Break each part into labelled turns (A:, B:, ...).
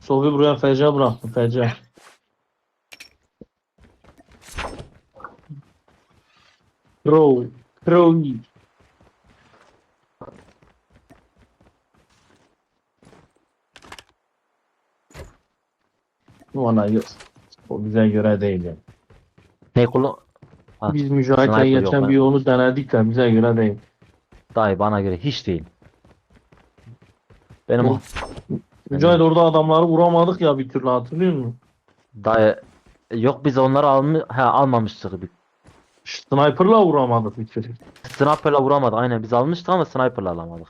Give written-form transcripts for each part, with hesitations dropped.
A: Sofi buraya feca bıraktı feca. Crow. Crow. Valla yok. O bize göre değil yani.
B: Ne kullan? Ha,
A: Biz Mücahit'le
B: sniper yok
A: geçen bir
B: ben.
A: yolu denedik de bize göre değil.
B: Dayı bana göre hiç değil. Benim
A: O, Mücahit orada adamları vuramadık ya bir türlü hatırlıyor musun?
B: dayı yok biz onları almamıştık.
A: Sniper'la vuramadık bir türlü.
B: Sniper'la vuramadık. Aynen biz almıştık ama sniper'la alamadık.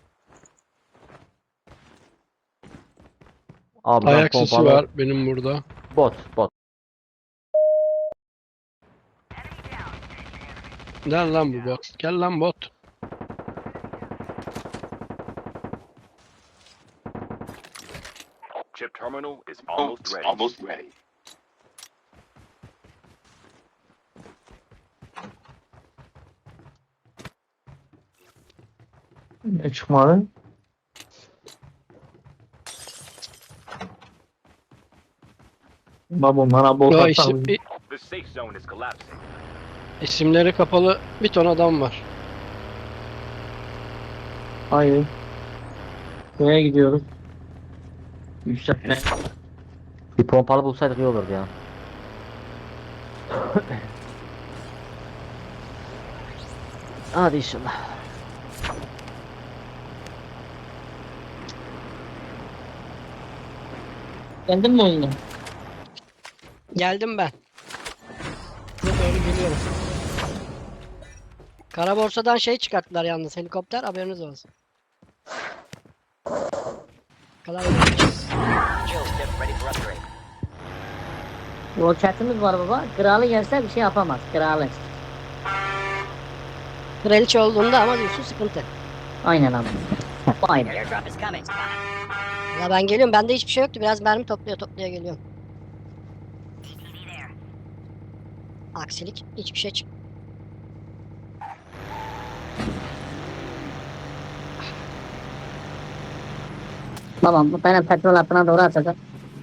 B: Abi ben
C: Ayak sesi
B: pompalı
C: var benim burada.
B: bot.
C: Gel lan bu bot. Gel lan bot.
D: Chip terminal is almost ready.
A: Ne çıkmadı? Baba bana bot
C: Ya
A: atalım.
D: The safe zone is collapsing.
C: isimleri kapalı bir ton adam var.
A: Hayır. Nereye gidiyoruz? Yükseltme.
B: Bir pompalı bulsaydık iyi olurdu ya. Hadi inşallah.
A: Geldin mi oyuna?
C: Geldim ben. Size doğru geliyorum. Kara borsadan şey çıkarttılar yalnız helikopter haberiniz olsun. Kadar yapmışız.
E: Roketimiz var baba. Kralı gelse bir şey yapamaz. Kralı.
C: Kraliçe olduğunda ama diyorsun sıkıntı.
E: Aynen abi. Aynen.
C: Ya ben geliyorum bende hiçbir şey yoktu biraz mermi toplaya geliyorum. Aksilik hiçbir şey çık.
E: Babam bu benim petrol hattına doğru atacak.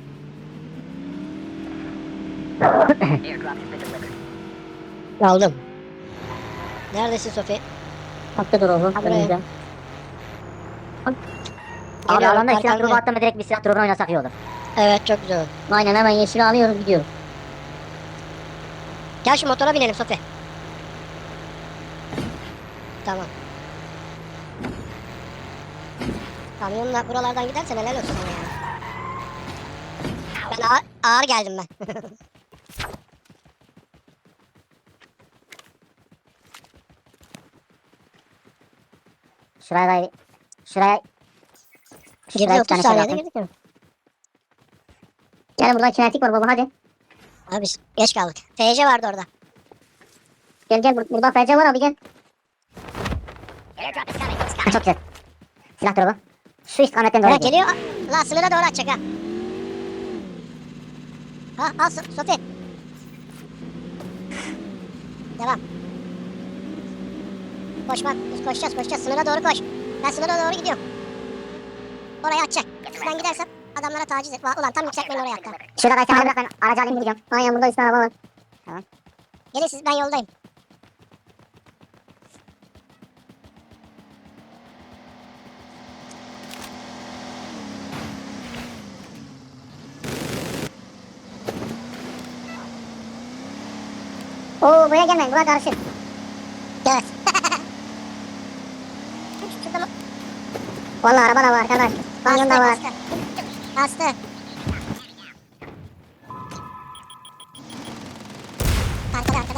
C: Aldım. Neredesin Sofi?
E: Hakkı dur oğlum.
C: Buraya.
E: Önümüzde. Abi
C: Geliyorum,
E: alanda silah
C: arkandayım.
E: drop'u attım direkt bir silah drop'unu oynasak iyi olur.
C: Evet çok güzel oldu.
E: Aynen hemen yeşili alıyoruz gidiyoruz.
C: Gel şu motora binelim Sofi. Tamam. Kamyonla buralardan gidersen helal olsun sana ya. Ben ağır geldim ben.
E: Şuraya şuraya
C: Girdi 30
E: tane
C: saniyede
E: şey
C: girdik mi?
E: Gel buradan kinetik var baba hadi.
C: Abi biz geç kaldık. TC vardı orada.
E: Gel burada FC var abi gel. Ha, çok güzel. Silah drop'u. Şu istikametten doğru
C: Evet
E: gidiyor.
C: geliyor. La sınıra doğru atacak ha. Ha al Sofi. Devam. Koşmak, koşacağız. Sınıra doğru koş. Ben sınıra doğru gidiyorum. Oraya atacak. Ben gidersem adamlara taciz et. Ulan tam yükseltmeyin oraya hatta.
E: Şurada kaçan bırak ben aracı alayım gidiyorum. Aynen burada üstüne araba var.
C: Gelin siz ben yoldayım.
E: Oo buraya gelmeyin buraya karışık.
C: Evet. Şurada mı?
E: Vallahi araba da var arkadaş. Kamyon da var.
C: Bastı. Arkada.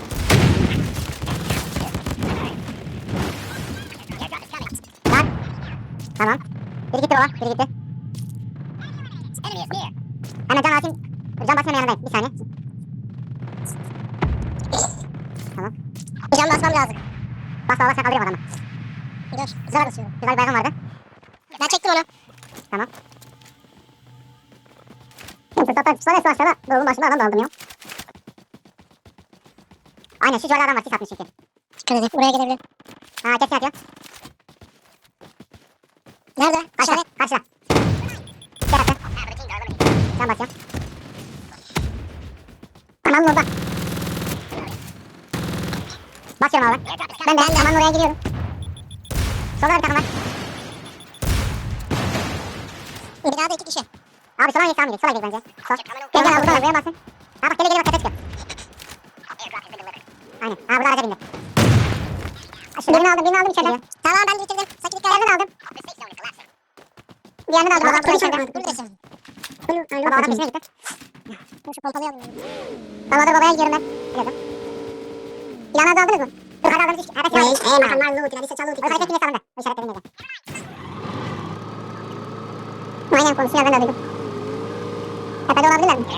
E: Lan. Tamam. Biri gitti baba. Biri gitti. Hemen can atayım. Can basmam yanındayım. Bir saniye. Tamam.
C: Can basmam lazım.
E: Bas baba sen kaldırıyorum adamı.
C: Dur. Zıra basıyorum.
E: Güzel bir baygın vardı.
C: Ben çektim onu.
E: Tamam. Fırsattan tutsana aşağıda. Doğrunun başında adam da aldım ya. Aynen şu civarda adam var. Sis atmış çünkü.
C: Dikkat edin. Buraya gelebilir.
E: Ha kesin atıyor.
C: Nerede?
E: Karşıda.
C: İşaret.
E: Karşıda. Gel attı. Can basıyorum. Tamam orada. Basıyorum abi. Ben de hemen oraya giriyorum. Solda bir takım var.
C: Binada 2 kişi.
E: Abi sola geç tamam gidelim. Sola geç bence. Sol. Gel gel abi buradan buraya basın. Ha bak gele gele bak tepe çıkıyor. Aynen. Ha burada araca bindim. Birini aldım içeriden.
C: Tamam ben de bitirdim. Sakın dikkat
E: Diğerini aldım. Diğerini de aldım. Adam içeride. Baba adam peşine gitti.
C: Şu pompalayalım.
E: Baba da babaya gidiyorum ben. Geldim. Silahınızı aldınız mı? Dur hadi aldınız. Evet silahı. Makamlar loot. Hadi çalı loot. Hareket yine sağında. O işaretlediğim yerde. Aynen konuşuyor ben de duydum. Tepede olabilirler mi?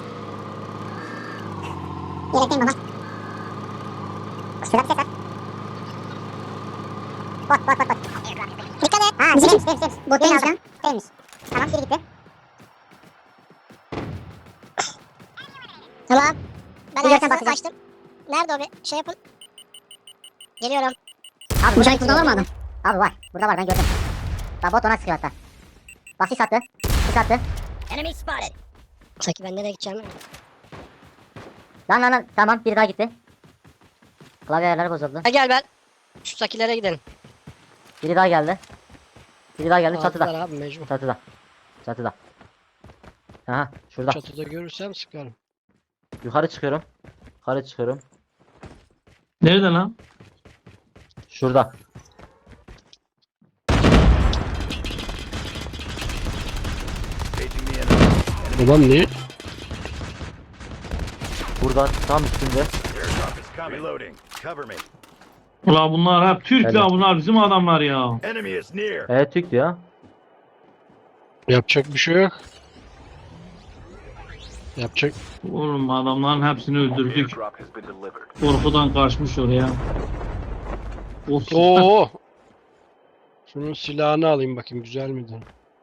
E: Yelekteyim baba. Şurada bir ses var. Bot.
C: Dikkat et.
E: Ha bizimmiş. Bot değilmiş lan. Değilmiş. Tamam biri gitti.
C: Tamam. Ben
E: Bir yerden
C: ayaksızı
E: bakacağım.
C: açtım. Nerede o bir şey yapın. Geliyorum.
E: Abi burada var mı adam? Abi var. Burada var ben gördüm. Bak bot ona sıkıyor hatta. Bak sis attı. Sis attı.
C: Enemy spotted. Saki ben nereye gideceğim?
E: Lan. Tamam biri daha gitti. Klavye ayarları bozuldu.
F: Gel ben. Şu sakilere gidelim.
E: Biri daha geldi. Biri daha geldi çatıda.
F: Aldılar abi mecbur.
E: Çatıda. Aha şurada.
F: Çatıda görürsem sıkarım.
B: Yukarı çıkıyorum.
A: Nerede lan?
B: Şurada.
D: Facing the enemy.
F: Ulan niye?
B: Burada tam üstünde.
D: Airdrop is coming. Reloading. Cover me.
A: Ulan bunlar hep Türk
B: Helal.
A: ya, bunlar bizim adamlar ya.
D: Enemy is near.
B: Evet Türk ya.
F: Yapacak bir şey yok. Yapacak.
A: Oğlum adamların hepsini öldürdük.
D: Airdrop has been delivered.
A: Korkudan kaçmış oraya. Of.
F: Oo. Şunun silahını alayım bakayım güzel miydi?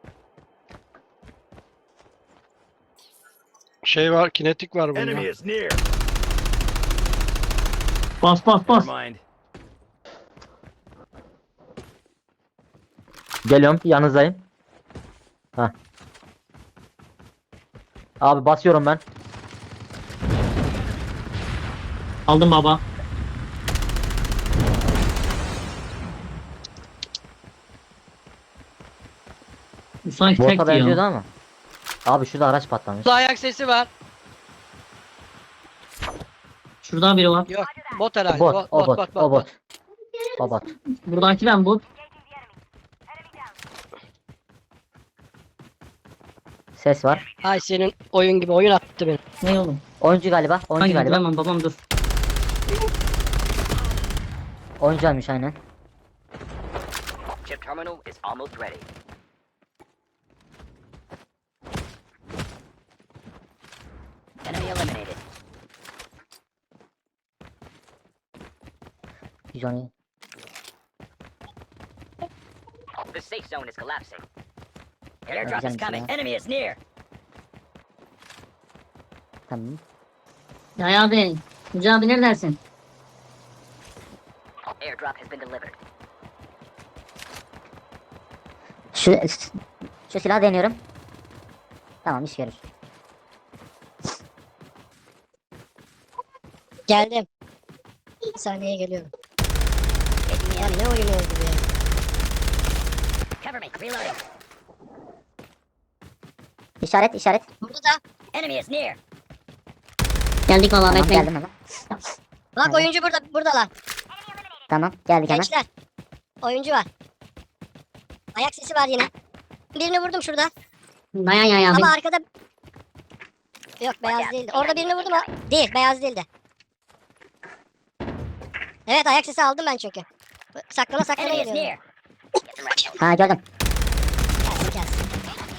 F: Şey var, kinetik var
D: Enemy
F: bunda.
D: is near.
A: Bas.
D: Never mind.
B: Geliyorum yanınızdayım. Hah. Abi basıyorum ben.
A: Aldım baba. Bu sanki
B: Bota
A: tekti
B: benziyordu
A: ya.
B: ama. Abi şurada araç patlamış.
F: Burada ayak sesi var.
A: Şuradan biri var.
F: Yok, bot herhalde.
B: Bot. O bot.
A: Buradaki ben bu.
B: Ses var.
F: Ay senin oyun gibi oyun attı beni.
A: Ne oğlum?
B: Oyuncu galiba.
A: Hangi bilemem babam dur.
B: Oyuncuymuş aynen.
G: Chip terminal is almost ready. Enemy eliminated.
B: 117.
G: The safe zone is collapsing. Airdrop
B: güzelmiş
G: is coming.
B: ya.
G: Enemy is near.
B: Tamam.
H: Ya abi, Tuncay abi neredesin?
G: Airdrop has been delivered.
E: Şu silahı deniyorum. Tamam iş görür.
C: Geldim. Bir saniye geliyorum. Ya ne oyun oldu bu ya?
G: Cover me. Reloading.
E: İşaret.
C: Burada da.
G: Enemy is near.
H: Geldik valla
E: Tamam
H: bekleyin.
E: geldim hemen.
C: Bak oyuncu burada lan.
E: Tamam geldik hemen.
C: Gençler. Oyuncu var. Ayak sesi var yine. Birini vurdum şurada.
H: Dayan ya abi.
C: Ama arkada... Yok beyaz değildi. Orada birini vurdum o. Değil beyaz değildi. Evet ayak sesi aldım ben çünkü. Saklana
G: Enemy is
C: geliyorum.
G: near. Get some rest.
E: Ha gördüm.
C: Gelsin.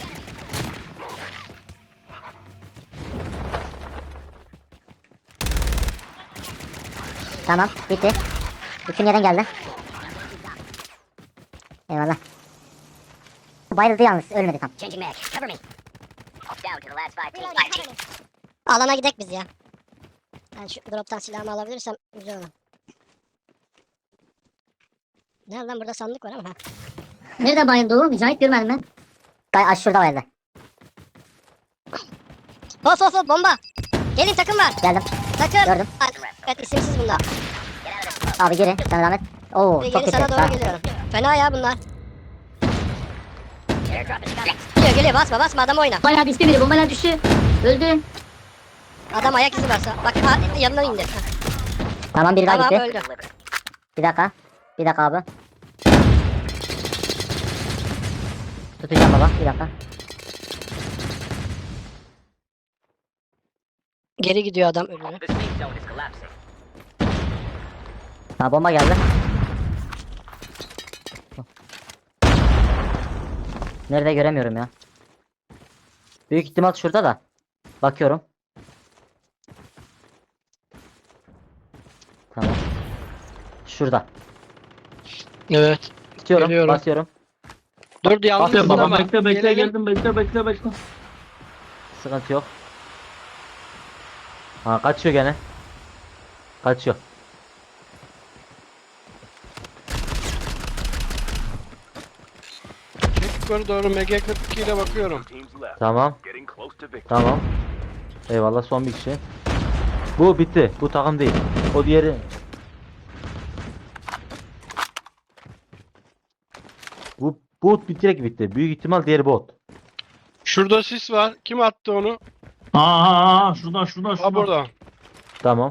E: Tamam bitti. Bütün yerden geldi. Eyvallah. Bayıldı yalnız ölmedi tam.
G: Changing mag. Cover me. Down to the last 5 teams.
C: Alana gidek biz ya. Ben şu droptan silahımı alabilirsem güzel olur. Ne lan burada sandık var ama ha.
H: Nerede bayıldı o? Mücahit görmedim ben.
E: Şurada bayıldı.
C: Hop hop hop bomba. Gelin takım var.
B: Geldim.
C: Takım.
B: Gördüm.
C: Evet isimsiz bunlar.
B: Abi geri. Sen rahmet. Oo
C: Geri
B: çok kötü.
C: sana doğru
B: Ha.
C: geliyorum. Fena ya bunlar.
G: Airdrop is coming.
C: Geliyor basma basma adam oyna.
H: Bombalar düştü biri. Bombalar düştü. Öldü.
C: Adam ayak izi varsa. Bak yanına indi.
B: Tamam biri daha
C: Tamam
B: gitti.
C: öldü.
G: Delivered.
B: Bir dakika. Bir dakika abi. Tutacağım baba. Bir dakika.
C: Geri gidiyor adam ölüyor.
G: The safe zone is collapsing.
B: Ha bomba geldi. Nerede göremiyorum ya. Büyük ihtimal şurada da. Bakıyorum. Tamam. Şurada.
F: Evet.
B: Tutuyorum.
F: Geliyorum.
B: Basıyorum.
F: Dur yalnız
A: Aferin baba
F: ama
A: bekle bekle
F: gelelim.
A: geldim bekle.
B: Sıkıntı yok. Ha kaçıyor gene. Kaçıyor.
F: Çek yukarı doğru MG42 ile bakıyorum.
D: Teams left.
B: Tamam.
D: Getting close to victory.
B: Tamam. Eyvallah son bir kişi. Bu bitti. Bu takım değil. O diğeri. Bu bot bitirek bitti. Büyük ihtimal diğeri bot.
F: Şurada sis var. Kim attı onu?
A: Şuradan.
F: Ha burada.
B: Tamam.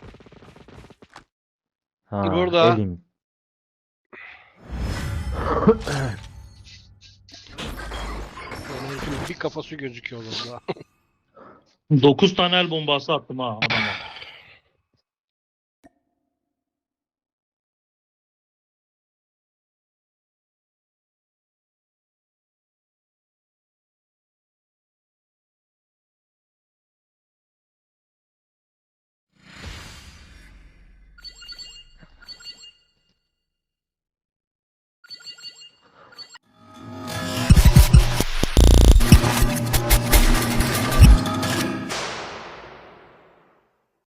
B: Ha,
F: Burada.
B: elim.
F: Yani bir kafası gözüküyor orada.
A: 9 tane el bombası attım ha.